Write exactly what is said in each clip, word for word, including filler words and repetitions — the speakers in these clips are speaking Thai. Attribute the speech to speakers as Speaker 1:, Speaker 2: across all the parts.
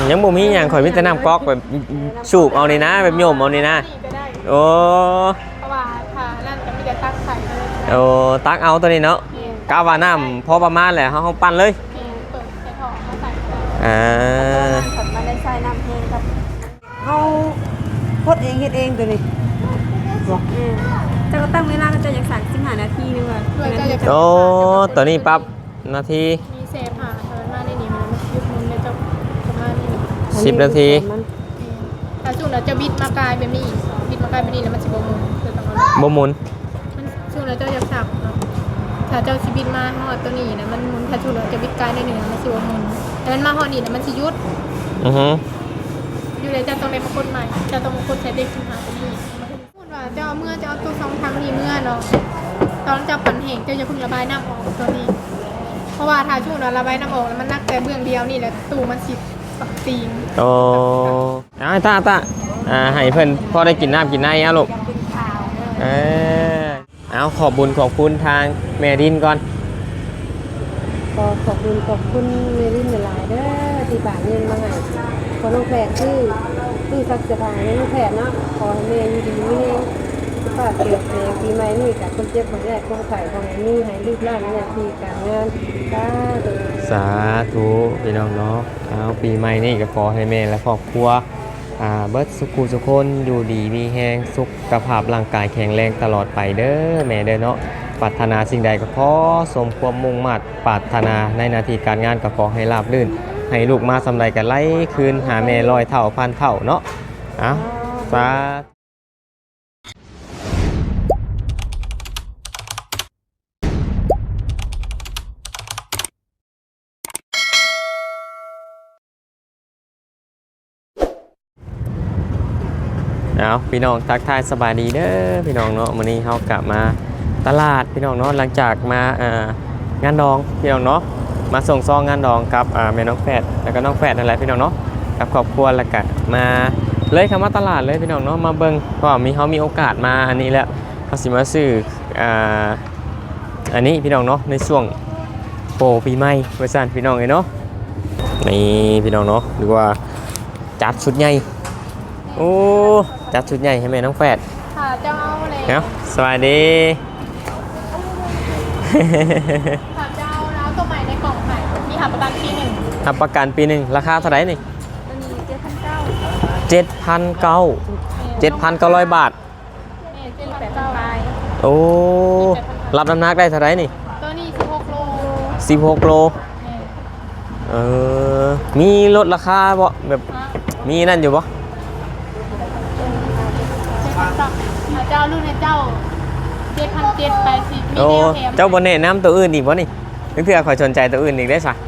Speaker 1: ยังบ่มีหยังข่อยมีแต่น้ำก๊อกแบบสูบเอานี่นะแบบโยมเอานี่นะโอ้
Speaker 2: เพราะว่าถ้านั่นจะมีแต่ตักใส่เลย
Speaker 1: โอ้ตักเอาตัวนี้เนาะกาว่าน้ำพอประมาณแหละเฮาเฮาปั้นเลย
Speaker 2: เปิดใส่ท่อมาใส่
Speaker 1: อ่า
Speaker 3: ขันมาได้ใส่น้ำแห้งครับเฮาพดเองเฮ็ดเองตัวนี้จะก็ตั้งเวลาก็จะอย่างสามสิบห้านาทีนึงอ่ะ
Speaker 1: โอ้ตัวนี้ปั๊บนาที
Speaker 2: มีเซฟหาเทินมาในนี้มันยุบมุนในเจ้าประมาณนี้
Speaker 1: สิบนาที
Speaker 2: ถ้าช่วงเราจะบิดมากลายเป็นนี่บิดมากลายเป็นนี่แล้วมันสิบมุนคือต้อง
Speaker 1: บ่หมุน
Speaker 2: มันช่วงเราเจ้าจะสับเนาะถ้าเจ้าสิบิดมาฮอดตัวนี้นะมันมุนถ้าช่วงเราจะบิดกลายในหนึ่งมันสิบมุนแต่มันมาฮอดนี่นะมันสิยุด
Speaker 1: อือฮึ
Speaker 2: อยู่เลยจะต้องเป็นมงคลใหม่จะต้องมงคลใช้เด็กขึ้นมาตัวนี้พูดว่าเจ้าเมื่อเจ้าตัวสองทางนี้เมื่อเนาะตอนเจ้าปั่นเหงเจ้าจะพึ่งระบายน้ำออกตัวนี้เพราะว่าถ้าช่วงเราระบายน้ำออกแล้วมันนักแต่เบื้องเดียวนี่แหละตู้มันสิปักตีน
Speaker 1: โอ้ไอ้ตาตาอ่าให้เพิ่นพอได้กินน้ำกินน้ำอ่ะลูกเออเอาขอบบุญขอบคุณทางแม่ดินก่อน
Speaker 3: ขอขอบคุณขอบคุณเมลินหลายเด้อที่บาทเงินมาให้ขอน้องแพรชื่อชื่อสักสะพายน้องแพรเนาะขอให้แม่อยู่ดีมีแรงสุขภาพเกิดแรงปีใหม่นี่กับคนเจ็บคนแรกคนไข้ของนี่ให้ลูกหลานเนี่ยที่การงานสาธุ
Speaker 1: สาธุพี่น้องเนาะเอาปีใหม่นี่ก็ขอให้แม่และครอบครัวอ่าเบิดสุขุสุขคนอยู่ดีมีแรงสุขภาพร่างกายแข็งแรงตลอดไปเด้อแม่เด้อเนาะปรารถนาสิ่งใดก็ขอสมความมุ่งมั่นปรารถนาในหน้าที่การงานก็ขอให้ราบรื่นให้ลูกมาสำไรกันไล่คืนหาแม่ลอยเท่าพันเท่าเนาะอ่ะสาเอาพี่น้องทักทายสบายดีเด้อพี่น้องเนาะวันนี้เขากลับมาตลาดพี่น้องเนาะหลังจากมาอ่างานดองพี่น้องเนาะมาส่งซองงานดองกับอ่าแม่น้องแฝดแล้วก็น้องแฝดนั่นแหละพี่น้องเนาะกับครอบครัวแล้วก็มาเลยคำว่าตลาดเลยพี่น้องเนาะมาเบิ่งก็มีเขามีโอกาสมาอันนี้แหละเขาสิมาซื้ออ่าอันนี้พี่น้องเนาะในช่วงโปรปีใหม่เวอร์ชันพี่น้องเลยเนาะนี่พี่น้องเนาะหรือว่าจัดชุดใหญ่โอ้จัดชุดใหญ่ให้แม่น้องแฝด
Speaker 2: ค่ะเจ้าเลย
Speaker 1: เนาะสวัสดี
Speaker 2: ค่ะเจ้าแล้วตัวใหม่ในกล่องไข่มีหับประกันปีหนึ่ง
Speaker 1: หับประกันปีหนึ่งราคาเท่าไหร่นี่
Speaker 2: ตัวนี้เจ็ดพันเก้า
Speaker 1: เจ็ดพันเก้าเจ็ดพันเก้าร้อยบาท
Speaker 2: เจ็ดแปดเก้าไป
Speaker 1: โอ้รับน้ำหนักได้เท่าไหร่นี่
Speaker 2: ตัวนี้สิบหกโล
Speaker 1: สิบหกโลเออมีลดราคาบ่แบบมีนั่นอยู่บ่
Speaker 2: เจ้ารุ่นในเจ้าเจ็ดพันเจ็ดแปดสิบมีแนวแถม
Speaker 1: เจ้าบนเน่น้ำตัวอื่นอีกวะนี่นึกเผื่อขอสนใจตัวอื่นอีกได้สัก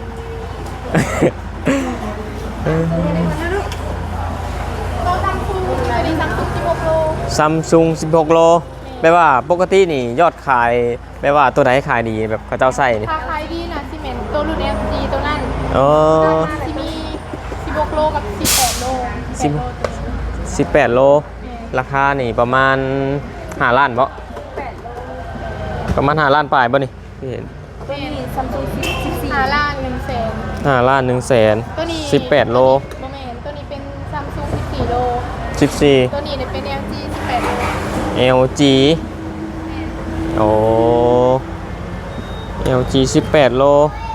Speaker 2: ตัวซัมซุงตัวนี้ซัมซุงสิบหกโล
Speaker 1: ซัมซุงสิบหกโลแปลว่าปกตินี่ยอดขายแปลว่าตัวไหนขายดีแบบเขาเจ้าใส่นี่
Speaker 2: ขายดีนะซีเมนต์ตัวรุ่น เอ็ม จี ตัวนั้น
Speaker 1: อ๋อ
Speaker 2: ที่มีสิบหกโลกับสิบแปดโล
Speaker 1: สิบแปดโลราคานี่ประมาณห้าล้านบ่ประมาณห้าล้านปลายบ่นี่พี่เห็น
Speaker 3: ตัวนี้ซัมซุงสิบสี่
Speaker 2: ห้าล้านหนึ่งแสน
Speaker 1: ห้าล้านหนึ่งแสน
Speaker 2: ตัวนี้
Speaker 1: สิบแปดโล
Speaker 2: โมเมนต์ตัวนี้เป็นซัมซุงสิบสี่โล
Speaker 1: สิบสี่
Speaker 2: ตัวนี้เป็น แอล จี สิบแปดโล
Speaker 1: แอล จี โอ้ แอล จี สิบแปดโล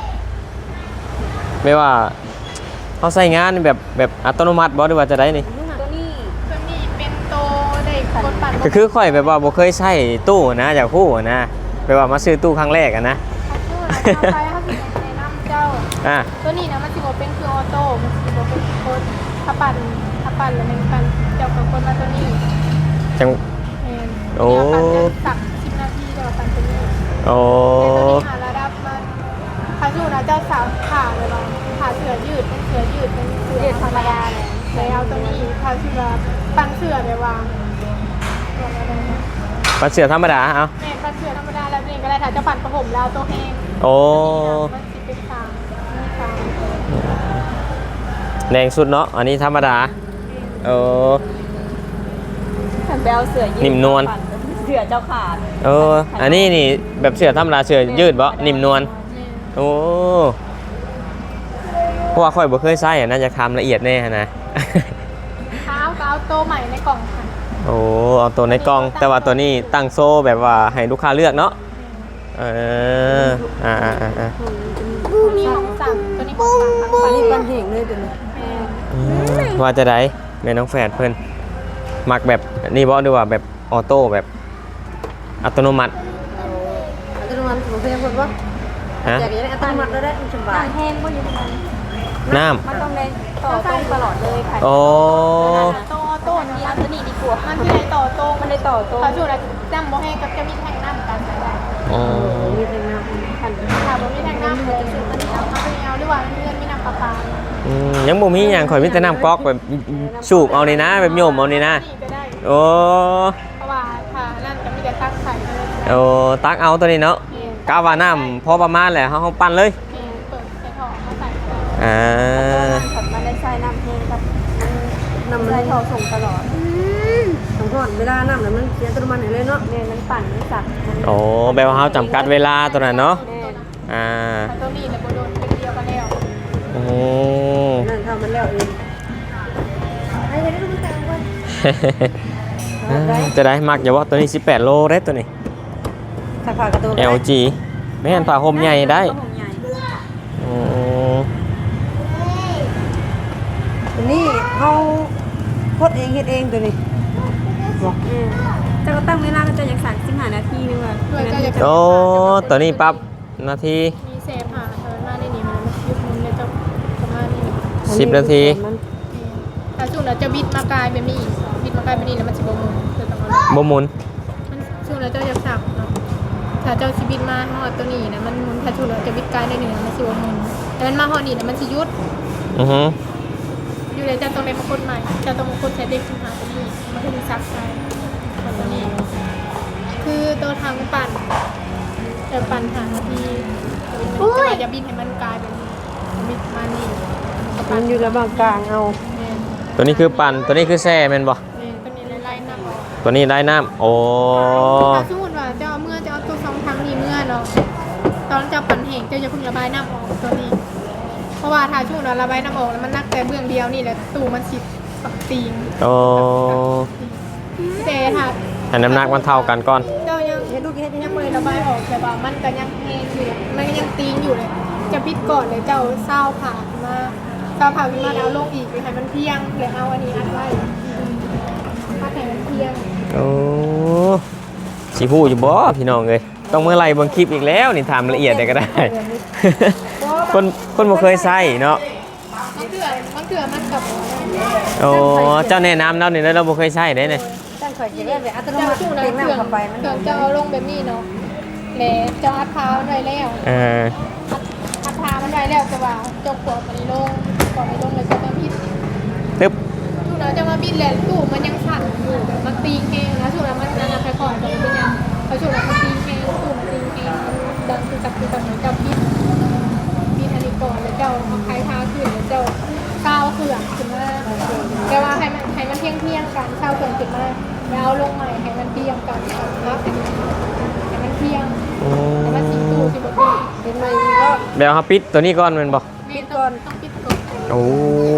Speaker 1: ไม่ว่าเขาใส่งานแบบแบบอัตโนมัติบ่หรือว่าจะได้นี่ก็คือค่อยแบบว่าบ่เคยใช้ตู้นะจากผู้นะแบบว่ามาซื้อตู้ครั้งแรกอะนะ
Speaker 2: อ่าตัวนี้นะมันสิบเป็นคือออโต้มันสิบเป็นโคตรถ้าปั่นถ้าปั่นแล้วมันปั่นเจ้ากับคนมาตัวนี้
Speaker 1: จังโอ้
Speaker 2: สักสิบนาทีเจ้าปั่นตัวนี้
Speaker 1: โอ้
Speaker 2: หาระดับมันพาสูนะเจ้าสาวขาเลยบ้างขาเสือยืดเป็นเสือยืดเป็นเสือธรรมดาเลยแล้วตัวนี้พาสูนะปั่นเสือเลยว่าง
Speaker 1: ปั่นเสือธรรมดาเอา
Speaker 2: แม่ปั่นเสือธรรมดาแล้วเองก็ได้ถ้าจะปั่นกระผมแล้วตัวแห้ง
Speaker 1: โอ้
Speaker 2: มันสิเป็นสาม
Speaker 1: แดงสุดเนาะอันนี้ธรรมดาเออ
Speaker 3: แบลเสือยืด
Speaker 1: นิ่มนวล
Speaker 3: เสือเจ้าขาด
Speaker 1: เอออันนี้นี่แบบเสือธรรมดาเสือยืดบ่นิ่มนวลโอ้ราะว่าค่อยบ่เคยใช้อะน่าจะทำละเอียดแน่นะ
Speaker 2: เท้าก็เอาโตใหม่ในกล่องค่ะ
Speaker 1: โอ้เอาตัวในกล่องแต่ว่าตัวนี้ตั้งโซ่แบบว่าให้ลูกค้าเลือกเนาะเอออ่าอ่าอ่าอ่า
Speaker 2: ตัวนี้ของสั่งตัวนี้ของสั่งทั้ง
Speaker 3: ปั
Speaker 2: ปั
Speaker 3: น
Speaker 2: น
Speaker 3: นี้
Speaker 2: นี้
Speaker 3: ปั
Speaker 2: ปั
Speaker 3: น
Speaker 2: น
Speaker 3: เหงเลยตัวนี้
Speaker 1: อืมว่าจะได้แม่น้องแฝดเพิ่นมักแบบนี่บ่ดีว่าแบบออโต้แบบอัตโนมัติ
Speaker 3: อัตโนมัติของเพื่อนคนว่า
Speaker 1: ฮะ
Speaker 3: อยากได้อัตโนมัติแล้วได้สบาย
Speaker 2: แห้งก็อยู่ตรงนั้น
Speaker 1: น้
Speaker 2: มันต้องเลยต่อตรงตลอดเลยค่ะ
Speaker 1: ำโอ้
Speaker 2: โตโต้นี่อันนี้ดีกว่ามันที่ไหนต่อโต้มันเลยต่อโต้เขาช่วยอะไรจำบ่แห้งกับจะมีแทงน้ำกันได้
Speaker 1: อ๋อ
Speaker 3: มีแต่น้ำขัน
Speaker 2: ค่ะบ่มีแทงน้ำเลยจะชุดอันนี้เอาเอาไปเอาหรือว่าเงินมีน้ำปลาปลา
Speaker 1: อืมยังบ่มีหยังข่อยมีแต่น้ำก๊อกแบบสูบเอานี่นะแบบโยมเอานี่นะ
Speaker 2: นี่ก็ได้
Speaker 1: โอ้
Speaker 2: เพราะว่าค่ะนั่นจะมีแต่ตั้งไข่เลย
Speaker 1: โอ้ตักเอาตัวนี้เนาะกาว่าน้ำพอประมาณแหละเฮาเฮาปั้นเลย
Speaker 2: เปิดใส่ถอมาใส่
Speaker 1: อ่า
Speaker 2: ขับมาได้ใส่น้ำแห้งกับ
Speaker 3: น้ำมัน
Speaker 2: ใส่ถอส่งตลอด
Speaker 3: สองคนเวลาน้ำแล้วมันเสียอัตโนมัติเลยเนาะ
Speaker 2: เนี่ยมันปั่นมันสักมัน
Speaker 1: โอ้แบบว่าเฮาจำกัดเวลาตัวนั้นเนาะอ่า
Speaker 2: ตัวนี้แต่โบโดนเป็นเดียวกันแล้ว
Speaker 1: โอ้
Speaker 3: นั่นทำมันแล้วเองไอ้เด็กมันแต่งวัน
Speaker 1: จะได้มักอย่าว่าตัวนี้สิบแปดโลเด้ตัวนี้
Speaker 3: สักผ้ากระตุ้น
Speaker 1: แอล จี แม่นผ้าห่มใหญ่ได้โอ้
Speaker 3: ตัวนี้เขาพดเองเฮ็ดเองตัวนี้บอก
Speaker 2: แต่ก็ตั้งเวลาก็จะอย่างสามสิบห้านาทีนึงว่ะเพื่อจะ
Speaker 1: โอ้ตัวนี้ปั๊บนาที
Speaker 2: มีเซฟหาเทินมาในนี้มันยุบมุนเลยจะประมาณนี้
Speaker 1: สิบนาที
Speaker 2: ถ้าช่วงเราจะบิดมากลายเป็นนี่บิดมากลายเป็นนี่แล้วมันสิบมุนจะต้องเอา
Speaker 1: บ่หมุน
Speaker 2: มันช่วงเราจะจะสับเนาะถ้าเจ้าชีบิดมาหอดตัวนี้นะมันมุนถ้าช่วงเราจะบิดกลายได้หนึ่งมันสิบมุนแต่มันมาหอดนี่นะมันสิยุด
Speaker 1: อือฮึ
Speaker 2: อยู่เลยจะต้องเล่นมาคนใหม่จะต้องมาคนใช้เด็กขึ้นหาตัวนี้มันคือซักใช้ตัวนี้ คือตัวทางปั่นจะปั่นหาทีแต่ว่าจะบินให้มันกลายเป็นบิดมานี่
Speaker 3: มันอยู่ระหว่างกลางเอา
Speaker 2: เนี่ย
Speaker 1: ตัวนี้คือปั่นตัวนี้คือแซ่แม่นบ่
Speaker 2: เนี่ยตัวนี้ไล่ๆหน้าออก
Speaker 1: ตัวนี้ได้น้ำโอ้
Speaker 2: ถ้าสมมติว่าเจ้าเมื่อเจ้าตัวสองทางนี้เมื่อเนาะตอนเจ้าปั่นแห้งเจ้าจะพึ่งระบายน้ำออกตัวนี้ เพราะว่าถ้าช่วงเราระบายน้ำออกแล้วมันนักแต่เบื้องเดียวนี่แหละตู้มันสิบปักตีน
Speaker 1: โอ้
Speaker 2: แต่ถ้า
Speaker 1: ให้น้ำหนักมันเท่ากันก่อน
Speaker 2: เจ้ายัง
Speaker 3: เฮ็ดลูกเฮ็ด
Speaker 2: ยังไม่ได้ระบายออกแต่ว่ามันก็ยังแห้งอยู่มันก็ยังตีนอยู่เลย จะปิดก่อนเลยเจ้าเศร้าผ่าขึ้นมาเศร้าผ่าขึ้นมาแล้วลงอีกเลยให้มันเพียงเลยเอาอันนี้อัดไว้ถ้าให้มันเพียง
Speaker 1: โอ้สิฮู้อยู่บ่พี่น้องเอ้ยต้องเมื่อไหร่เบิ่งคลิปอีกแล้วนี่ถามละเอียดได้ก็ได้ คนคนบ่เคยใช้เนาะ
Speaker 2: มันเถื่อมันเถื่อมันกับ
Speaker 1: โอ้เจ้าแนะนำเรานี่แล้วเราบ่เคยใช้ได้เนี่ย
Speaker 3: ตั้งข่อยจะได้แบบอัตโน
Speaker 2: เจ้า
Speaker 3: มัติ
Speaker 2: ช่วงนั้
Speaker 3: เต็
Speaker 2: น
Speaker 3: ม
Speaker 2: เถื่อ
Speaker 3: น้ำเข้าไปมัน
Speaker 2: เถื่อเจ้าเอาลงแบบนี้เนาะแล้วเจ้าอัดเท้ามันไว้แล้ว
Speaker 1: เออ
Speaker 2: อัดเท้ามันไว้แล้วจะว่าจงขวดมันนี้ลงขวดมันลงเลยจะมาพิษ
Speaker 1: ตึ๊บ
Speaker 2: ช่วงนั้นจะมาบินแหละตู้มันยังสั่นอยู่แบบมันตีแห้งนะช่วงนั้นมันนั่นนะค่อยๆมันเป็นยังพอช่วงนั้นมันตีแห้งตู้มันตีแห้งดังคือกับคือกับเหมือนกับบินบินอันนี้ก่อนแล้วเจ้าเอาคล้ายท้าขึ้นแล้วเจ้าก้าวเขื่อนขึ้นมาแต่ว่าให้มันให้มันเที่ยงเที่ยงๆกันเช้าเขื่อนขึ้นมาแล้วเอาลงใหม่ให้มันเที่ยงกันครับให้มันเที่ยง
Speaker 1: โอ้
Speaker 2: ให้มันสีตู้สีบตี
Speaker 3: เป็นไหมอีกรอบ
Speaker 1: เดี๋ยวเฮาปิดตัวนี้ก่อนแม่นบ่
Speaker 2: ปิดก่อนต้องปิดก่อน
Speaker 1: โอ้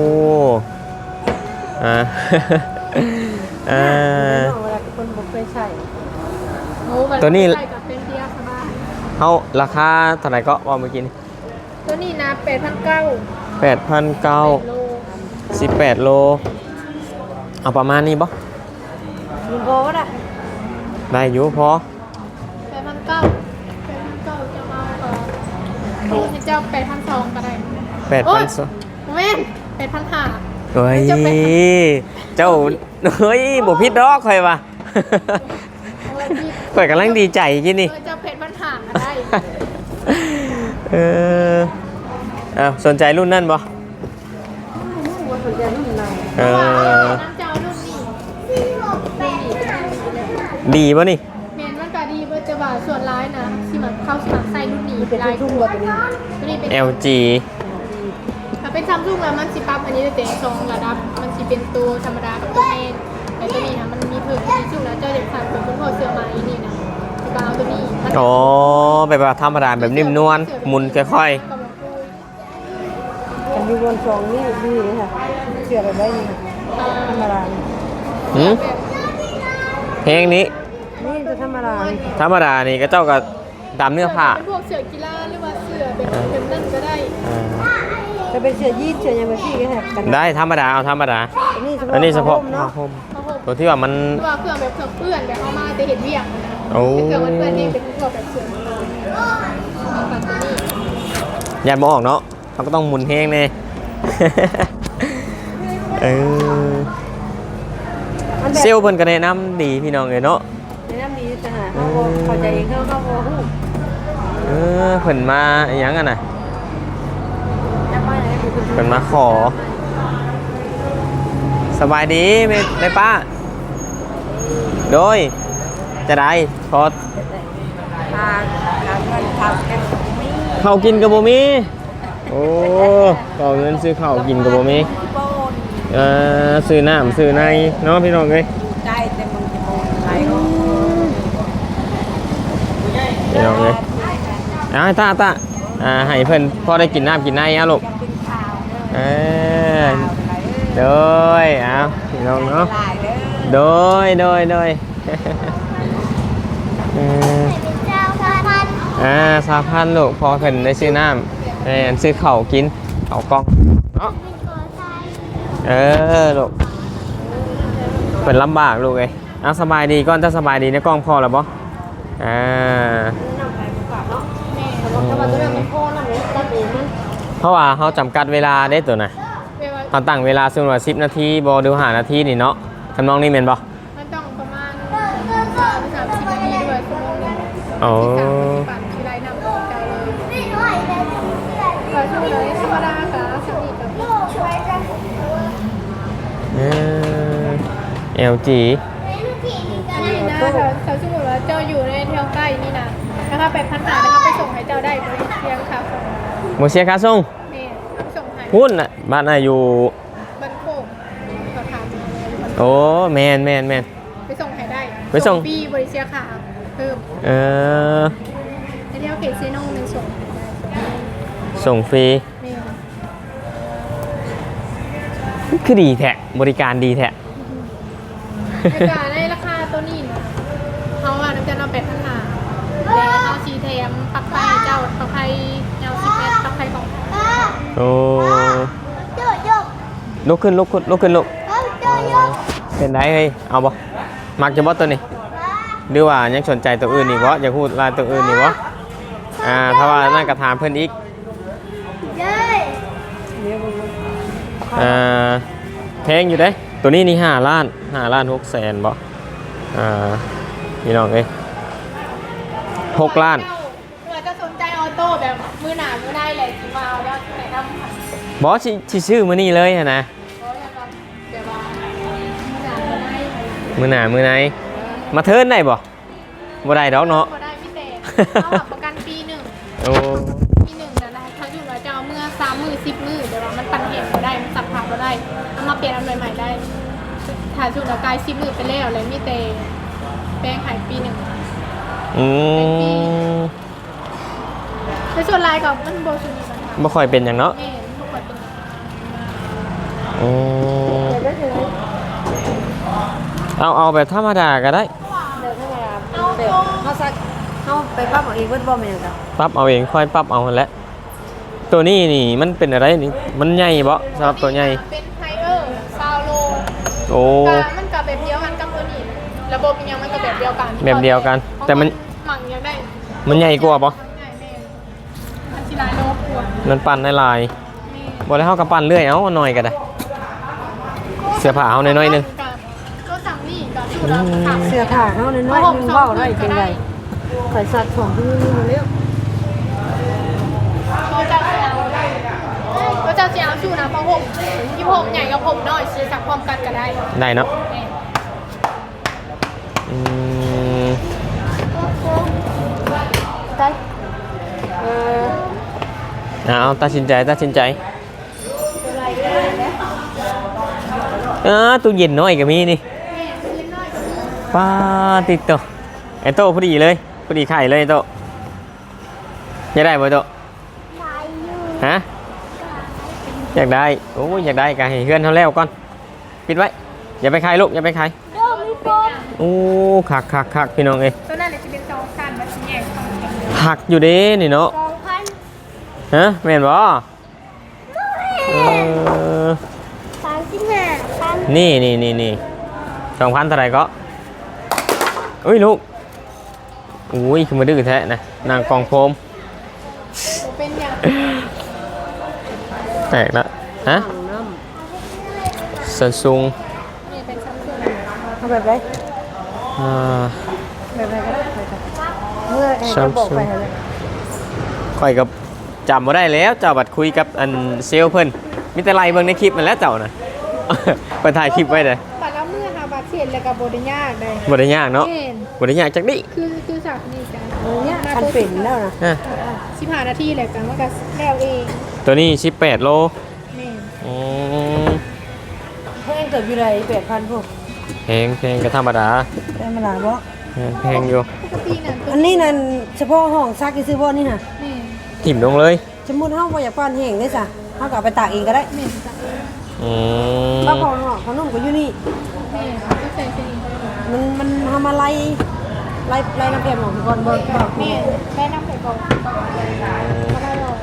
Speaker 1: อ่า อ่า
Speaker 3: เวลาคนบ่เคยใช้
Speaker 2: โอ้แบบ
Speaker 1: ตัวนี้
Speaker 2: ใส่กับเป็นเทียสบาย
Speaker 1: เฮาราคาเท่าไหร่ก็ว่าเมื่อกี้นี่
Speaker 2: ตัวนี้นะแปดพันเก้า
Speaker 1: แปดพันเก้า
Speaker 2: โล
Speaker 1: สิบแปดโล เอาประมาณนี้บ่
Speaker 3: ลุงโบก็ได้
Speaker 1: ได้อยู่พอ
Speaker 2: แปดพันเก้าแปดพันเก้าจะมาเออโอ้ให้เจ้าแปดพันสองก็ได้
Speaker 1: แปด
Speaker 2: โอ้
Speaker 1: พั
Speaker 2: ย
Speaker 1: นสอง
Speaker 2: แม่นแปดพันห้า
Speaker 1: เฮ้ย
Speaker 2: เจ้าแปดพัน
Speaker 1: เจ้า เฮ้ยบ่ผิดดอกข่อยว่ะ
Speaker 2: โอ้ยพี่
Speaker 1: ข่อยกำลังดีใจกินนี่
Speaker 2: เออเจ้าแปดพันห้าก็ได้
Speaker 1: เอออ้าวสนใจรุ่นนั่นบ่
Speaker 3: ว่าสนใจรุ่นไหน
Speaker 1: เอ
Speaker 2: เพราะว่า
Speaker 1: อ
Speaker 2: น้ำเจ้ารุ่นนี้ดี
Speaker 1: ดีป่ะนี่
Speaker 2: เมนมันก็ดีเบอร์จะว่าส่วนร้ายนะสิมันเข้าสมัครใส่รุ่นนี้
Speaker 3: เป็น
Speaker 2: ลาย
Speaker 3: ทุ่งวัวตัวนี้
Speaker 2: ตัวนี้เป็น
Speaker 1: แอล จี
Speaker 2: ถ้าเป็นซัมซุงแล้วมันสิปรับอันนี้จะเต็มสองระดับ มันสิเป็นตัวธรรมดากับตัวแห้งแต่ตัวนี้นะมันมีเพิ่มที่ซุงแล้วเจ้าเด็กสั่งเป็นคุณพ่อเสื้อไหมนี่นะสิบเอาตัวนี้มัน
Speaker 1: อ๋อแบบว่าธรรมดาแบบนิ่มนวลหมุนค่อย
Speaker 3: กันอยู่บนสองนี่ดีเลยค่ะเสือแบบได้นี่ธรรมดา
Speaker 1: หืมเพลงนี้
Speaker 3: นี่จะธรรมดา
Speaker 1: ธรรมดานี่ก็เจ้าก็ดำเนื้อผ้า
Speaker 2: เป็นพวกเสือกีฬาหรือว่าเสือแบบแบบนั่นก็ได้
Speaker 1: อ่า
Speaker 3: จะเป็นเสือยีดเสือยังไงพี่ก็แหกกัน
Speaker 1: ได้ธรรมดาเอาธรรมดา
Speaker 3: อันนี้เฉพาะ
Speaker 1: อันนี้เฉพาะ
Speaker 3: เนาะ
Speaker 1: ผ้าห่ม
Speaker 2: เขาบอก
Speaker 1: ตัวที่ว่ามัน
Speaker 2: ว่าเครื่องแบบเครื่องเปื้อนแบบเอามาแต่เห็นเวียงนะ
Speaker 1: โอ้
Speaker 2: เป็นเครื่องมันเปื้อนนี่เป็นพวกแบบเสือปัตตานี
Speaker 1: ยันมออกเนาะเขาก็ต้องหมุนเพลงเน่ เออเซลลเพิ่นก็แนะนำดีพี่น้องเลยเนาะ
Speaker 3: ในน้ำดีจะหาเขาบอกเขาใจเองเขาเขาบอกฮู้
Speaker 1: เออเพิ่นมาอหยังกันน่ะ
Speaker 3: จะไปไหนเป็น
Speaker 1: เพิ่นมาขอ สบายดีแม่แม่ป้า โดย จะได้ขอ
Speaker 3: ทางทางเงินทางแก้ม
Speaker 1: ข้าวกินกับบ่มี โอ้ขอเงินซื้อข้าวกินกับบ่มี
Speaker 3: โป้น
Speaker 1: เอ่อซื้อน้ำซื้อในเนาะพี่น้องเอ้ย
Speaker 3: ใกล้แต่มึงจะโป้นไหลก็
Speaker 1: พี่น้องเอ้ยอ่าตาตาอ่าให้เพิ่นพอได้กินน้ำกินในอ่ะลูก
Speaker 3: เป็นข่าว
Speaker 1: เออโดยอ้าวพี่น้องเนาะ
Speaker 3: หลายเด้อ
Speaker 1: โดยโดยโดย เอออ่าสามพันลูกพอเพิ่นได้ซื้อน้ำได้อันซื้อข้าวกินข้าวกล้องเนาะเออลูกเพิ่นลำบากลูกเอ้ยเอาสบายดีก่อนถ้าสบายดีในกล้องพอแล้วบ่อ่า
Speaker 3: น้ำไปบุกกลับเนาะแต่ว่าตัวนั้นมันโค้งแล้วเนี่ยตัดเองมัน
Speaker 1: เพราะว่าเขาจำกัดเวลาได้ตัวน่ะ
Speaker 2: เวลา
Speaker 1: เขาตั้งเวลาสมมติว่าสิบนาทีบ่ดูห้านาทีนี่เนาะทำนองนี้แม่นบ่
Speaker 2: มันต้องประมาณสามสามสิบนาทีด้วยชั่วโมงหนึง
Speaker 1: โอ้
Speaker 2: ที่สามสิบปันที่ไรนำออกใจเลยก็ช่วงเลยธรรมดาค่ะสิบนี่กับ
Speaker 1: เออ แอล จี
Speaker 2: นี่นะเขาเขาสมมติว่าเจ้าอยู่ในแถวใกล้นี่นะนะคะไปพันหานะคะไปส่งให้เจ้าได้บริเชียงค่ะส่ง
Speaker 1: บ่เสียค่าส่ง
Speaker 2: แม่เอาไปส่งให้
Speaker 1: หุ้นน่ะบ้านน่ะอยู่
Speaker 2: บันโคกเขาถามบันโคก
Speaker 1: โอ้แม่นแม่นแม่น
Speaker 2: ไปส่งให้ได้
Speaker 1: ไปส่ง
Speaker 2: ปีบริเชียค่ะเพิ่ม
Speaker 1: เออ
Speaker 2: ในแถวเขตเซโนในส่งให้ได้
Speaker 1: ส่งฟรี
Speaker 2: แม่
Speaker 1: คือดีแท้บริการดีแท้
Speaker 2: ในการในราคาตัวนี้นะเขาว่าน้ำจะนำเป็ดพันหาแล้วเขาชีแถมปลักไฟเจ้าปลักไฟยาวสิบเมตรปลักไฟของ
Speaker 1: โอ้ลุกขึ้นลุกขึ้นลุกขึ้นลุกเป็นได้เฮ้ยเอาบ่มักจะบ่ตัวนี้หรือว่ายังสนใจตัวอื่นนี่บ่อยากพูดลายตัวอื่นนี่บ่อ่าถ้าว่านั่นก็ถามเพิ่นอีก อ่าแพงอยู่เด้ตัวนี้นี่ห้าล้านห้าล้านหกแสนบ่อ่าพี่น้องเอ้ยหกล้าน
Speaker 2: เผื่อจะสนใจออโต้แบบมือหนามือได้เลยที่มาเอาแล้วที่ไหนทำค่ะ
Speaker 1: บอสชิชื่อมือนี่เลยอะนะ
Speaker 2: เพราะว่าเดี๋ยวว่ามือหนามือได้
Speaker 1: มือหนามือไหนมาเทิร์นได้บ่บ่ได้ดอกเนาะ
Speaker 2: พอได้พี่เต๋เขาหักประกันปีหนึ่ง
Speaker 1: โอ้
Speaker 2: ปีหนึ่งนะนะเขาอยู่ว่าจะเอาเมื่อสามมือสิบมือเดี๋ยวว่ามันปั่นเหตุมาได้มันสับผ่ามาได้เอามาเปลี่ยนอันใหม่ๆได้ถ่ายชุดละกายสิบมือไปแล้วเลยมีเตแป้งหายปีหนึ่ง
Speaker 1: อืม
Speaker 2: ในส่วนลายกับมันโบชูนีมันค่ะ
Speaker 1: บ่ค่อยเป็นอย่างเนาะ
Speaker 2: แม่ทุกคนเป็น
Speaker 1: อืม
Speaker 3: เดี๋ยวได้เลย
Speaker 1: เอาเอาแบบธรรมดาก็ได้
Speaker 3: เดี๋ยวถ้าเวลาเดี๋ยวเขาซักเขาไปปั๊บเอาเองเวิร์ดบอมเป็นยังไง
Speaker 1: ปรับเอาเองค่อยปรับเอาหั่นแหละตัวนี้นี่มันเป็นอะไรนี่มันใหญ่บ่สำหรับตัวใหญ่
Speaker 2: เป็นไฮเออร์ซาวโล
Speaker 1: โอ้
Speaker 2: ก็มันกับแบบเดียวกันกับตัวนี้ระบบยังมันกับแบบเดียวกัน
Speaker 1: แบบเดียวกันแต่มัน
Speaker 2: หมังยังได้
Speaker 1: มันใหญ่กว่าบ่
Speaker 2: ใหญ่แม่มันชิลายโลกว่า
Speaker 1: มันปั่นได้หลาย
Speaker 2: แม่
Speaker 1: บ่ได้เฮากับปั่นเรื่อยเอาหน่อยก็ได้เสื้อผ้าเอาหน่อยๆหนึง
Speaker 2: ก็สั่งนี่ก็ชุดละค่ะ
Speaker 3: เสื้อผ้าเขาในน้อยนึงเบ้าได้เป็นไรข่อยสัตว์ของที่นี่มาเร็ว
Speaker 2: ก็จะเอาก็จะเอาชุดนะเพราะผมที่ผมใหญ่กับผมน้อยซื้อสักพร้อมกันก็ได้
Speaker 1: ได้เนาะ
Speaker 2: แม่
Speaker 1: อืม
Speaker 3: ได้เออ
Speaker 1: เอาตัดสินใจตัดสินใจเออตู้เย็นน้อยก็มีนี่ป้าติดโตะไอโตะพอดีเลยพอดีไข่เลยไอ้โตะจะได้บ่โตะฮะอยากได้โอ้ยอยากได้ก็ให้เฮือนเฮาแล้วก่อนปิดไว้อย่าไปขายลูกอย่าไปขายโอ้คักคักคักพี่น้องเอ้ย
Speaker 2: ตัวนั้นจะเป็นสองพันมันแยกสองพัน
Speaker 1: หักอยู่เด้นี่เนาะ
Speaker 2: สองพัน
Speaker 1: ฮะแม่นบ่เออ
Speaker 2: สามสิบห้าพัน
Speaker 1: นี่นี่นี่นี่สองพันเท่าไหร่ก็อุ้ยลูกอุ้ยคือมาดื้อแท้นะนางกองโฟม
Speaker 2: เป็นอย่าง
Speaker 1: แตกละฮะ
Speaker 3: ถังน้
Speaker 1: ซัมซุง
Speaker 2: นี่เป็นซัมซุง
Speaker 3: ำเอาแบบไร
Speaker 1: อ่า
Speaker 3: แบบไรก็ได้ไปกันเมื่อไอ้ก็บอกไปเลย
Speaker 1: ข่อยกับจำมาได้แล้วเจ้าบัดคุยกับอันเซลลเพิ่นมีแต่ไล่เบิ่งในคลิปมันแล้วเจ้าน่ะ เพิ่นถ่ายคลิปไว้เลย
Speaker 2: บัตรแล้วเมื่อหาบัตรเสียนแล้วกับโบได้ยากเลย
Speaker 1: บ่ได้ยากเนาะ
Speaker 2: เห็น
Speaker 1: บ่ได้ยากจักดิ
Speaker 2: คือคือสักนี่จ้ะ
Speaker 3: เออเนี่ยคันเป็นแล้วนะ
Speaker 1: ฮะ
Speaker 2: สิบห้านาทีแหละกันมันก็แล้วเอง
Speaker 1: ตัวนี้สิบแปดโล
Speaker 2: แม่น
Speaker 1: อืม
Speaker 3: เพิ่งเกิดอยู่ไรแปดพันพวก
Speaker 1: แพงแพงก็ธรรมดา
Speaker 3: ได้มาหลายบ่
Speaker 1: แพงแพงอยู่
Speaker 2: ปกตินั่นตัว
Speaker 3: อันนี้นั่นเฉพาะห้องซักที่ซื้อบ่นี่น่ะ
Speaker 2: แม่น
Speaker 1: ถิ่มลงเลย
Speaker 3: สมมุติเฮาบ่อยากปั้นแห้งได้ซะเฮาก็เอาไปตากเองก็ได้
Speaker 2: แม่นจ้ะ
Speaker 1: อืม
Speaker 3: ป้าพอเนาะขนมก็อยู่นี่
Speaker 2: แม่นก็ใส่เส้น
Speaker 3: มันมันทำอะไรไล่ไล่น้ำแข็งของก่อนบ่บ่
Speaker 2: แม่นแม่น้ำไข่กองก็ได้หรอก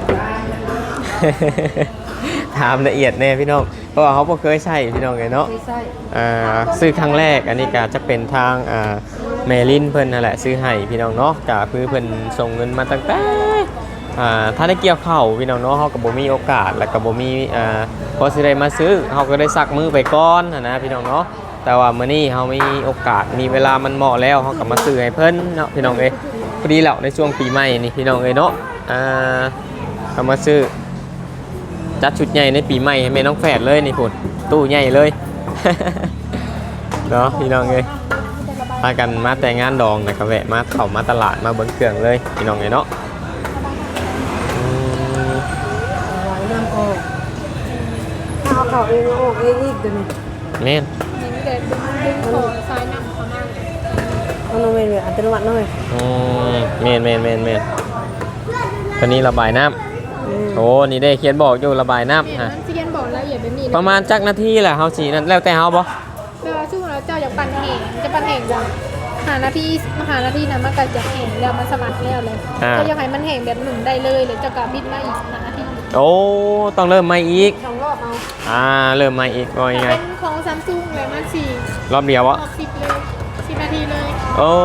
Speaker 1: ถามละเอียดแน่พี่น้องเพราะว่าเขาบ่เคยใช้พี่น้องเลยเนาะ
Speaker 3: ไม่ใช่
Speaker 1: อ่าซื้อครั้งแรกอันนี้ก็จะเป็นทางอ่าเมลินเพิ่นนั่นแหละซื้อให้พี่น้องเนาะก็คือเพิ่นส่งเงินมาตั้งแต่อ่าถ้าได้เกี่ยวข้าวพี่น้องเนาะเฮาก็บ่มีโอกาสแล้วก็บ่มีอ่าพอสิได้มาซื้อเฮาก็ได้ซักมือไปก่อนนะนะพี่น้องเนาะแต่ว่ามื้อนี้เฮามีโอกาสมีเวลามันเหมาะแล้วเฮาก็มาซื้อให้เพิ่นเนาะพี่น้องเอ้ยพอดีแล้วในช่วงปีใหม่นี่พี่น้องเอ้ยเนาะอ่าเอามาซื้อจัดชุดใหญ่ในปีใหม่ให้แม่น้องแฝดเลยนี่พุ่นตู้ใหญ่เลย เนาะพี่น้องเอ้ยพากันมาแต่งงานดองนะก็แวะมาเข้ามาตลาดมาเบิ้งเครื่องเลยพี่น้องเอ้ยเนาะอืม
Speaker 3: วางน้ำออกถ้าเอาเข้าเองเอาออกเองอีกตัวนี้
Speaker 1: แม่น
Speaker 2: นี่เด็ดดึงดึงของซ้ายนำเขามา
Speaker 3: เอาลงไปเลยอัตโนมัติหน่อย
Speaker 1: อืมแม่นแม่นแม่นแม่นตัวนี้ระบายน้
Speaker 3: อืม
Speaker 1: ำโอ้นี่ได้เขียนบอกอยู่ระบาย
Speaker 2: แม่
Speaker 1: น้ำฮะ
Speaker 2: มันเซียนบอกละเอียดแบบนี้
Speaker 1: ประมาณจักนาทีแหละเฮาสีนั่นแล้วแต่เฮาบ่
Speaker 2: เวลาช่วงเราเจ้าอยากปั่นแห่งจะปั่นแห่งจังหานาทีมหานาทีนั้นมันก็จะแห่งแล้วมันสมัครแล้วเลยก็อยากให้มันแห่งแบบหนึ่งได้เลยเลยเจ้ากาบิดมาอีกหานาที
Speaker 1: โอ้ต้องเริ่มใหม่อีก
Speaker 3: สองรอบเอา
Speaker 1: อ่าเริ่มใหม่อีกว่ายังไง
Speaker 2: เป็นของซัมซุงเลยมันสี่
Speaker 1: รอบเดียว
Speaker 2: รอ
Speaker 1: วะ
Speaker 2: บสิบเลยสิบนาทีเลย
Speaker 1: โอ้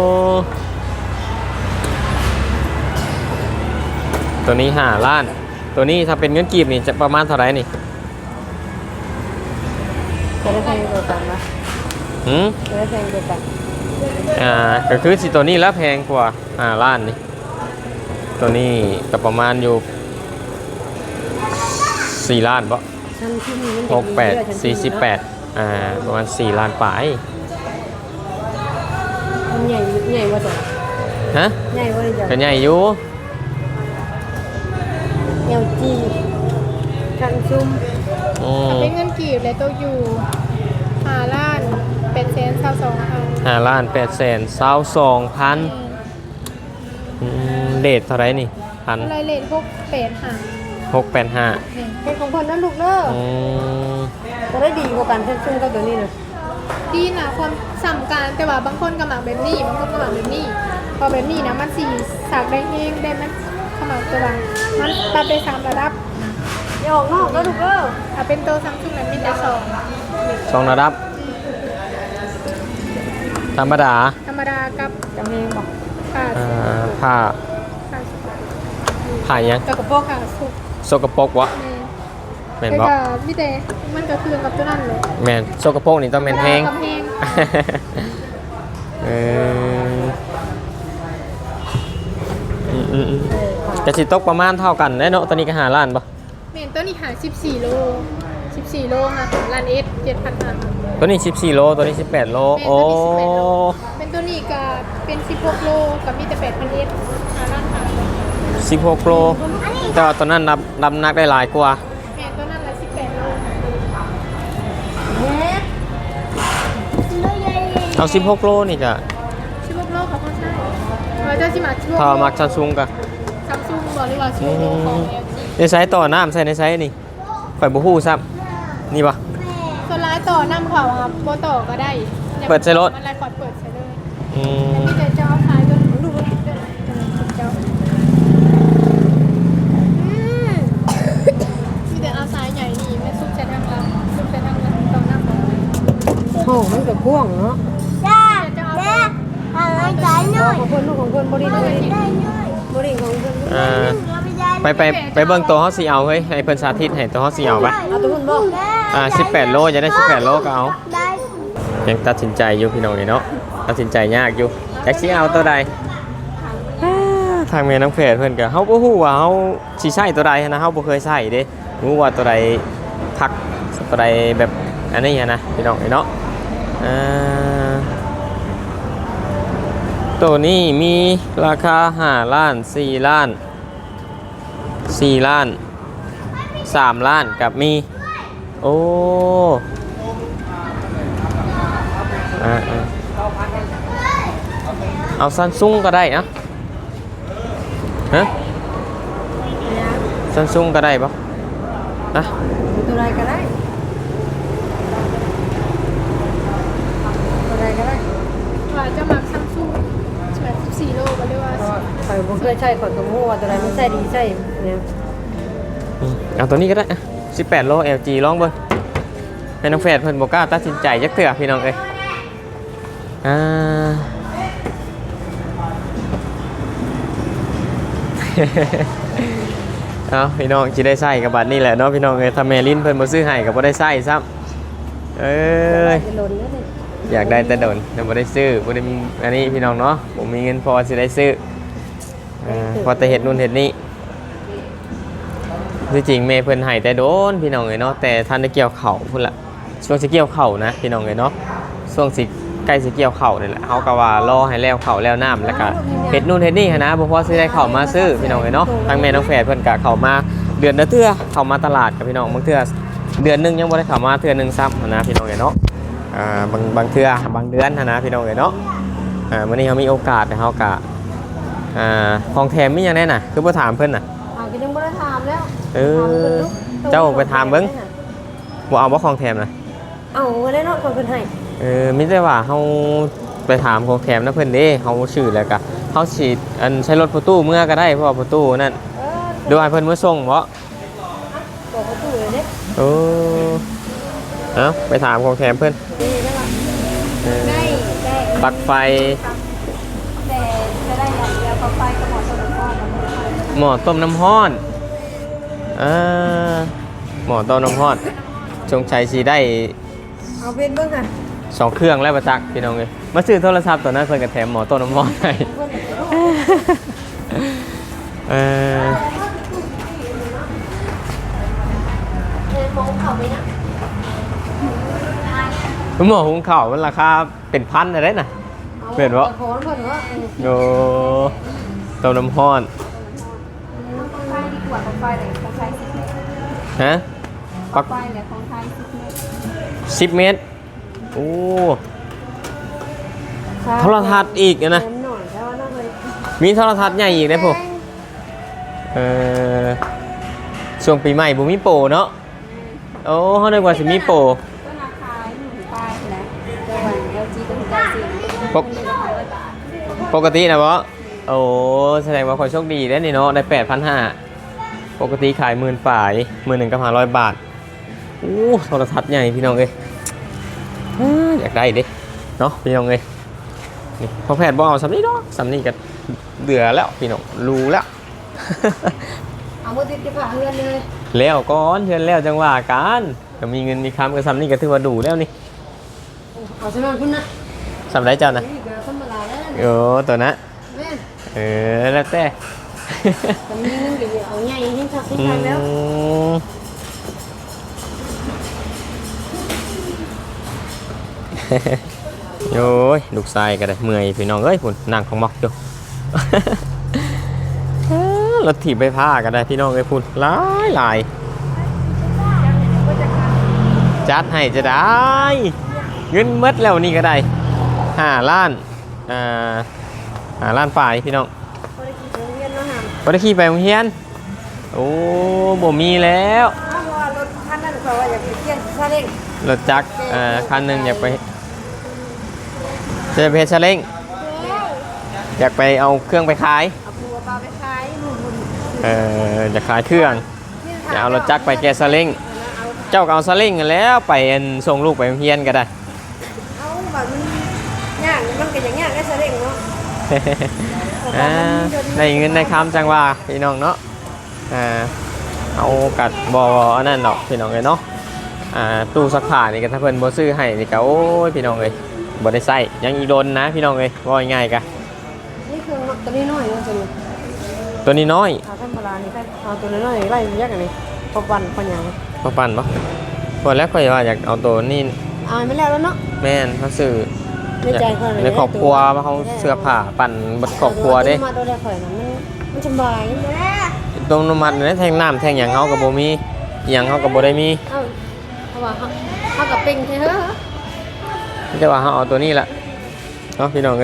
Speaker 1: ตัวนี้ห้าล้าน ตัวนี้ถ้าเป็นเงินกีบนี่จะประมาณเท่าไหร่นี่
Speaker 3: จะได้แทงตัวกันนะ
Speaker 1: หืม
Speaker 3: จะได้แทงตัวกัน
Speaker 1: อ่าก็คือสิตัวนี้แล้วแพงกว่าห้าล้านนี่ตัวนี้ก็ประมาณอยู่สี่ล้านปะ
Speaker 3: ฉันที่มีมัน
Speaker 1: หกแปดสี่สิบแปดอ่าประมาณสี่ล้านปลาย
Speaker 3: มันใหญ่ใหญ่กว่าตัว
Speaker 1: ฮะ
Speaker 3: ใหญ่กว่าเลยจ้ะ
Speaker 1: ก็ใหญ่อยู่
Speaker 3: เอลจีคันซุ่ม
Speaker 1: อืม
Speaker 2: เป็นเงินกีบเลยตัวอยู่หาล้านเป็นเซนเท่าสองพัน
Speaker 1: ห้าล้านแปดแสนเศร้าสองพันเดทเท่าไหรนี่พัน
Speaker 2: อะไรเลนพวกเป็ดหา
Speaker 1: หกแปดห้า
Speaker 3: เป็นของคนนั้นลูกเด้อ
Speaker 1: อืม
Speaker 3: จะได้ดีกว่ากันคันซุ่มกับตัวนี้นะ
Speaker 2: ดีนะความสำคัญแต่ว่าบางคนกำลังแบบนี้บางคนกำลังแบบนี้พอแบบนี้นะมันสี่สากได้เองได้มันขมักตัวมันปรับได้สามระดับ
Speaker 3: อย่าออกนอกแล้วลูกเด้อ
Speaker 2: ถ้าเป็นตัวซัมซุงนั้นมีแต่สอง
Speaker 1: สองระดับ ธรรมดา
Speaker 2: ธรรมดากับ
Speaker 3: จำเองบอก
Speaker 2: ขาด
Speaker 1: อ่าผ้า
Speaker 2: ขาด
Speaker 1: ผ้ายัง
Speaker 2: กับกระโปงขาดสุก
Speaker 1: โซกโปรกวะ
Speaker 2: แม่
Speaker 1: แม่น
Speaker 2: แต่
Speaker 1: บ่
Speaker 2: ก็มีแต่มันก็คือกับตัวนั้นเลย
Speaker 1: แม่นโซกโปรกนี่ต้องแม่นแพง
Speaker 2: กับแพง
Speaker 1: เอออืมอืมอืม
Speaker 3: เออค่ะ
Speaker 1: จะสิตกประมาณเท่ากันได้เนาะตอนนี้ก็หาล้านปะ
Speaker 2: เมนตัวนี้หาสิบสี่โลสิบสี่โลค่ะล้านเอสเจ็ดพันห้า
Speaker 1: ตัวนี้สิบสี่โลตัวนี้สิบแปดโลโอ้
Speaker 2: เป็นตัวนี้ก็เป็นสิบหกโลกับมีแต่แปดพันเอสหาล้านหา
Speaker 1: สิบหกโลแต่ว่าตัวนั้นนับนับนักได้หลายกว่า
Speaker 2: แมนตัวนั้นละสิบแปดโล
Speaker 3: เฮ็ด
Speaker 1: เอาสิบหกโลนี่ก็
Speaker 2: สิบหกโลของเขาใช่เราจะสิมาช่วง
Speaker 1: ถ้ามักซัมซุงก็
Speaker 2: ซัมซุงบอกเลยว่าสิบหกโลของ เอล จี
Speaker 1: ในไซส์ต่อน้ำใส่ในไซส์นี่ข่อยบ่ฮู้ซ้ำนี่บ่
Speaker 2: ส่วนร้ายต่อนำเขาครับโบต่อก็ได้
Speaker 1: เปิดใส่รถ
Speaker 2: มันไรขอดเปิดใส่เลย
Speaker 1: อืม
Speaker 2: มีแต่เจ้าขายจนลูกมันเดินเจ้ามีแต่เอาสายใหญ่นี่ไม่ซุกใส่ทางลับซุกใส่ทางลับตอนน้ำเขา
Speaker 3: ห้องมันก็กว้างเนาะ
Speaker 2: เจ้าเอา
Speaker 3: ของคนลูกของคนบริเลยบริของคน
Speaker 1: อ่าไปไปไปเบิ่งตัวเฮาสิเอาเฮ้ยให้เพิ่นสาธิตให้ตัวเฮาสิเอาไป
Speaker 3: เอาตัวคนบ่
Speaker 1: อ่าสิบแปดโลจะได้สิบแปดโลก็เอายังตัดสินใจอยู่พี่น้องนี่เนาะตัดสินใจยากอยู่จักสิเอาตัวใดอ่าทางแม่น้องเพจเพิ่นก็เฮาบ่ฮู้ว่าเฮาสิใช้ตัวใดนะเฮาบ่เคยใช้เด้รู้ว่าตัวใดพักตัวใดแบบอันนี้นะพี่น้องนี่เนาะอ่าตัวนี้มีราคาห้าล้านสี่ล้านสี่ล้านสามล้านกับมีโอ้อ่าเอาซันซุงก็ได้นะฮะซันซุงก็ได้ปะนะ
Speaker 3: ตัวใดก็ได้ตัวใดก็ได้
Speaker 2: ว่าจะมาซัมซุงแปดสิบสี่โลก็เรียกว่า
Speaker 3: ข่อยบ่เคยใช้ข่อยก็บ่ว่าตัวใดมันใช้ดีใช้เนี่ย
Speaker 1: อืมเอาตัวนี้ก็ได้อะสิบแปดโล แอล จี ลองเบิ่งให้น้องแฟดเพิ่นบ่กล้าตัดสินใจจักเทื่อพี่น้องเอ้ยอ่า เอาพี่น้องสิได้ใช้กับบัตรนี่แหละเนาะพี่น้องเอ้ยถ้าแม่ลิ้นเพิ่นบ่ซื้อให้ก็บ่ได้ใช้ซ้ำเอ้ย
Speaker 3: จะหล่นแล้วนี่
Speaker 1: อยากได้แต่โดนแต่บ่ได้ซื้อบ่ได้มีอันนี้พี่น้องเนาะผมมีเงินพอสิได้ซื้ออ่าพอแต่เฮ็ดนู่นเฮ็ดนี่ที่จริงแม่เพิ่นให้แต่โดนพี่น้องเอ้ยเนาะแต่ท่านได้เกี่ยวเข่าพุ่นละช่วงสิเกี่ยวเข่านะพี่น้องเอ้ยเนาะช่วงสิใกล้สิเกี่ยวเข่านี่แหละเฮาก็ว่ารอให้แล้วเข่าแล้วน้ำแล้วก็เฮ็ดนู่นเฮ็ดนี่หั้นนะบ่พอสิได้เข้ามาซื้อพี่น้องเอ้ยเนาะทางแม่น้องแฝดเพิ่นก็เข้ามาเดือนละเทื่อเข้ามาตลาดกับพี่น้องบางเทื่อเดือนหนึงยังบ่ได้เข้ามาเทื่อหนึงซ้ำหั้นนะพี่น้องเอ้ยเนาะอ่าบางบางเทื่อบางเดือนหั้นนะพี่น้องเอ้ยเนาะอ่ามื้อนี้เฮามีโอกาสเฮาก็อ่าของแถมมีหยังแน่น่ะคือบ่ถามเพิ่นน่ะ
Speaker 3: อ่าก็ยังบ่ได้ถามแล้ว
Speaker 1: เออเจ้าไปถามเบิ่งบ่เอาบ่ของแถมนะ
Speaker 3: เอาไว้แล้วเนาะคนเพิ่นให้
Speaker 1: เออมิแต่ว่าเฮาไปถามของแถมนะเพิ่นเด้เฮาชื่อแล้วก็เฮาสิอันใช้รถประตูเมื่อก็ได้เพราะว่าประตูนั่น
Speaker 3: เออ
Speaker 1: เดี๋ยวให้เพิ่นมาส่งบ่
Speaker 3: บอกประตูเลยเด้
Speaker 1: เออเอ้าไปถามของแถมเพิ่น
Speaker 3: นี่ได้ป่ะ
Speaker 1: เออ
Speaker 3: ได้ได้
Speaker 1: ปลั๊กไฟ
Speaker 3: แต่จะได้อย่างเดียวปลั๊กไฟกับหมอต้นอ้อม
Speaker 1: หม้อต้มน้ำร้อนอ่าหม้อต้มน้ำร้อนจงชัยสิได้
Speaker 3: เอาเป็นเบิ่งค่ะ
Speaker 1: สองเครื่องแล้วประจักษ์พี่น้องเอ้ยมาซื้อโทรศัพท์ตัวนั้นเพิ่นก็แถมหม้อต้มน้ำร้อนให้
Speaker 3: เพิ่น
Speaker 1: เออ
Speaker 3: เพิ่นมองเขาไหมนะ
Speaker 1: หม้อหุงข้าวมันราคาเป็นพันอะไรน่ะ เปลี่ยนวะ
Speaker 3: ขอเพิ่นว่า
Speaker 1: โอ้ต้มน้ำร้อน
Speaker 3: ปลั๊กไฟดีกว่าปลั๊กไฟเลยปลั๊กไฟสิบเมตร
Speaker 1: ฮะ
Speaker 3: ปลั๊
Speaker 1: ปั
Speaker 3: ก
Speaker 1: ก
Speaker 3: ไฟเลยของไทยสิบเมตร
Speaker 1: สิบเมตรโอ้โทรทัศน์อีกอะนะ
Speaker 3: แถมหน่อยแต่ว่าน่าเลย
Speaker 1: มีโทรทัศน์ใหญ่อีกนะพวกเออช่วงปีใหม่บุมีโปรเนาะโอ้เขาได้กว่าสิมีโปร
Speaker 3: ก็ราคาหนึ่งป้ายนะแต่ว่า แอล จี ก็ถึงได้สิ
Speaker 1: ปกปกตินะวะโอ้แสดงว่าคนโชคดีได้นี่เนาะได้แปดพันห้าปกติขายหมื่นฝ่ายหมื่นหนึ่งกับห้าร้อยบาทโอ้โทรทัศน์ใหญ่พี่น้องเอ้ยอ่าอยากได้ดิเนาะพี่น้องเอ้ยนี่พอแพทย์บอกเอาสำนี้เนาะสำนี้ก็เดือแล้วพี่น้องรู้แล้ว
Speaker 3: เอามือติดกับฝาเฮือนเลย
Speaker 1: แล้วก่อนเพื่อนแล้วจังว่ากันก็มีเงินมีคำก็สำนี้ก็ถือว่าดูแล้วนี่
Speaker 3: เอาสำนักคุณนะ
Speaker 1: สำไรเจ้านะ
Speaker 3: นี่ก็ธรรมดาแล้ว
Speaker 1: โอ้ตัวนะ
Speaker 3: แม่
Speaker 1: เออแล้วแต่
Speaker 3: แต่มีเงินเดี๋ยวเอาใหญ่ให้ชักให้
Speaker 1: อื
Speaker 3: ทันแล้ว
Speaker 1: ม โอ้ยลูกชายก็ได้เมื่อยพี่น้องเอ้ยพุ่นนั่งของมอกอยู่ รถถีบไปผ้าก็ได้พี่น้องเอ้ยพุ่นหลายหลายจัดให้จะได้ เงินหมดแล้วนี่ก็ได้ห้าล้านอ่าห้าล้านฝ่ายพี่น้อง
Speaker 3: พอได้ขี่โรงเรียนเนาะหาม
Speaker 1: บ่ได้ขี่ไปโรงเรียนโอ้บ่มีแล้ว
Speaker 3: อ้าวว่ารถคันเพราะว่าอยากไปเที่ยงซาเล้ง
Speaker 1: รถจักรเอ่อคันหนึงอยากไปจะไปเฮ็ดซาเล้งอยากไปเอาเครื่องไปขาย
Speaker 3: เอาปูปลาไปขายนู่น
Speaker 1: เอ่อจะขายเครื่องจะเอารถจักรไปแกะซาเล้งเจ้าก็เอาซาเล้งนั่นแหล้วไปอันส่งลูกไปโรงเรียนก็ได้
Speaker 3: เอาแบบมันย่างมันก็อย่างย่างได้ซาเล้งเนาะ
Speaker 1: อ่าได้เงินได้คำจังว่าพี่น้องเนาะอ่าเอากัดบออันนั้นดอกพี่น้องเลยเนาะอ่าตู้ซักผ้านี่ก็ถ้าเพิ่นบ่ซื้อให้นี่ก็โอ้ยพี่น้องเลยบ่ได้ใส่ยังอีโดนนะพี่น้องเลยว่าง่ายๆกะ
Speaker 3: นี่คือตัวนี้น้อยนะตัวนี้
Speaker 1: ตัวนี้น้อย
Speaker 3: เอาธรรมดานี่ได้เอาตัวน้อยไล่ยักษ์อันนี้พอวันพอหยัง
Speaker 1: พอปั่นบ่พอแล้วค่อยว่าอยากเอาตัวนี้
Speaker 3: เอาไม่แล้วแล้วเนาะ
Speaker 1: แม่นเขาซื้อ
Speaker 3: ในใจเขาเลย
Speaker 1: ในครอบครัวมาเขาเสื้อผ้าปั่นบดครอบครัวเด้
Speaker 3: มาตัวแรกข่อยนะมันมันสบายแม่
Speaker 1: ตรงน้ำมันเนี่ยแทงน้ำแทงหยังเขากับโบมีหยังเขากับโบได้มี
Speaker 3: เอ้าเพราะว่าเขาเขากับเป็งเท่เหรอ
Speaker 1: แต่ว่าเขาเอาตัวนี้ละเนาะพี่น้องเลย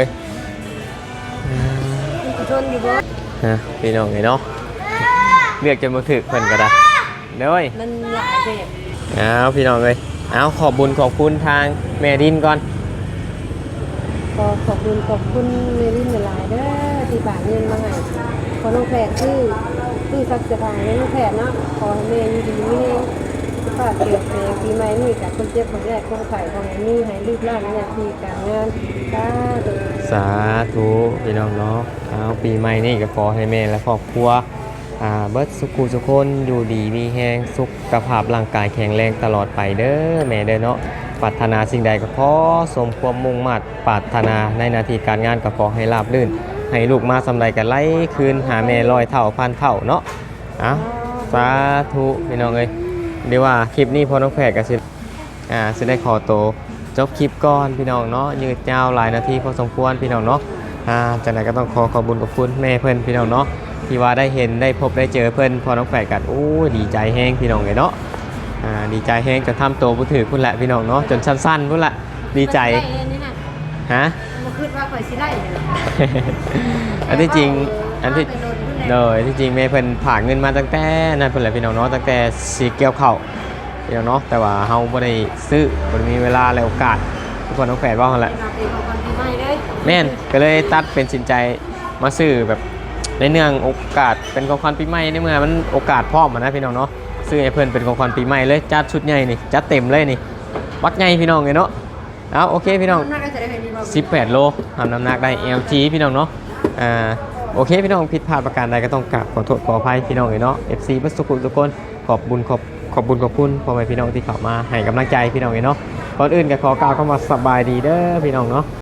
Speaker 3: มันจะทนอยู่บ่
Speaker 1: นะพี่น้องเลยเนาะเลือกจนมาถึกเพิ่นก็ได้เด้ย
Speaker 3: มันหลายแบบ
Speaker 1: เอาพี่น้องเลยเอาขอบบุญขอบคุณทางแม่ดินก่อน
Speaker 3: ก็ขอบคุณขอบคุณเมลินหลายเด้อที่ฝากเงินมาให้ขอน้องแพทย์ชื่อชื่อสักสบายน้องแพทย์เนาะขอให้แม่อยู่ดีมีแรงฝากเกี่ยวกับปีใหม่นี่กับคนเจ็บคนแรกคนไข้ของอันนี้ให้รีบร่างหน้าที่การงานสาธุ
Speaker 1: สาธุพี่น้องเนาะเอาปีใหม่นี่ก็ขอให้แม่และครอบครัวอ่าเบิดสุขุสุขคนอยู่ดีมีแฮงสุขภาพร่างกายแข็งแรงตลอดไปเด้อแม่เด้อเนาะปรารถนาสิ่งใดก็ขอสมความมุ่งมั่นปรารถนาในหน้าที่การงานก็ขอให้ราบรื่น ให้ลูกมาสำไรกันไล่คืนหาแม่ร้อยเท่าพันเท่าเนาะอ่ะสาธุพี่น้องเอ้ยเดี๋ยวว่าคลิปนี้พอน้องแพรก็สิอ่าสิได้ขอโตวจบคลิปก่อนพี่น้องเนาะยืดยาวหลายนาทีพอสมควรพี่น้องเนาะอ่าจากนั้นก็ต้องขอขอบคุญขอบคุณแม่เพื่อนพี่น้องเนาะที่ว่าได้เห็นได้พบได้เจอเพื่อนพอน้องแพรกันโอ้ยดีใจแห้งพี่น้องเลยเนาะอ่าดีใจแห้งจนทำโตวผู้ถือพุ่นแหละพี่น้องเนาะจนสั้นๆพุ่นละดีใจ
Speaker 3: ได้อันนี้น่ะ
Speaker 1: ฮะ
Speaker 3: บ่คิดว่าข่อยสิได้เลย
Speaker 1: อันที่จริงอันที่
Speaker 3: ไปโดนพุ่นแหละ
Speaker 1: โดยที่จริงแม่เพิ่นผ่ากเงินมาตั้งแต่นั่นเพิ่นแหละพี่น้องเนาะตั้งแต่สีเกี่ยวเข้าวพี่น้องเนาะแต่ว่าเฮาบ่ได้ซื้อบ่ได้มีเวลาและโอกาสทุกคนต้องแฝดว่าหั่นแหละ
Speaker 3: เราเป็นของคนปีใหม่เลย
Speaker 1: แม่นก็เลยตัดเป็นสินใจมาซื้อแบบในเนื่องโอกาสเป็นของขวัญปีใหม่ในเมื่อมันโอกาสพร้อมอะนะพี่น้องเนาะซื้อให้เพิ่นเป็นของขวัญปีใหม่เลยจัดชุดใหญ่นี่จัดเต็มเลยนี่บักใหญ่พี่น้องเลยเนาะเอาโอเคพี่น้อง
Speaker 3: น่าจะได้เห็นดีบ่
Speaker 1: สิบแปดโลทำน้ำหนักได้ แอล จี พี่น้องเนาะ อ่า โอเคพี่น้องผิดพลาดประการใดก็ต้องกราบขอโทษขออภัยพี่น้องเลยเนาะ เอฟ ซี บัสสุขุทุกคนขอบบุญขอบขอบบุญขอบคุณพ่อแม่พี่น้องที่เข้ามาให้กำลังใจพี่น้องเลยเนาะก่อนอื่นก็ขอกล่าวคำว่าสบายดีเด้อพี่น้องเนาะ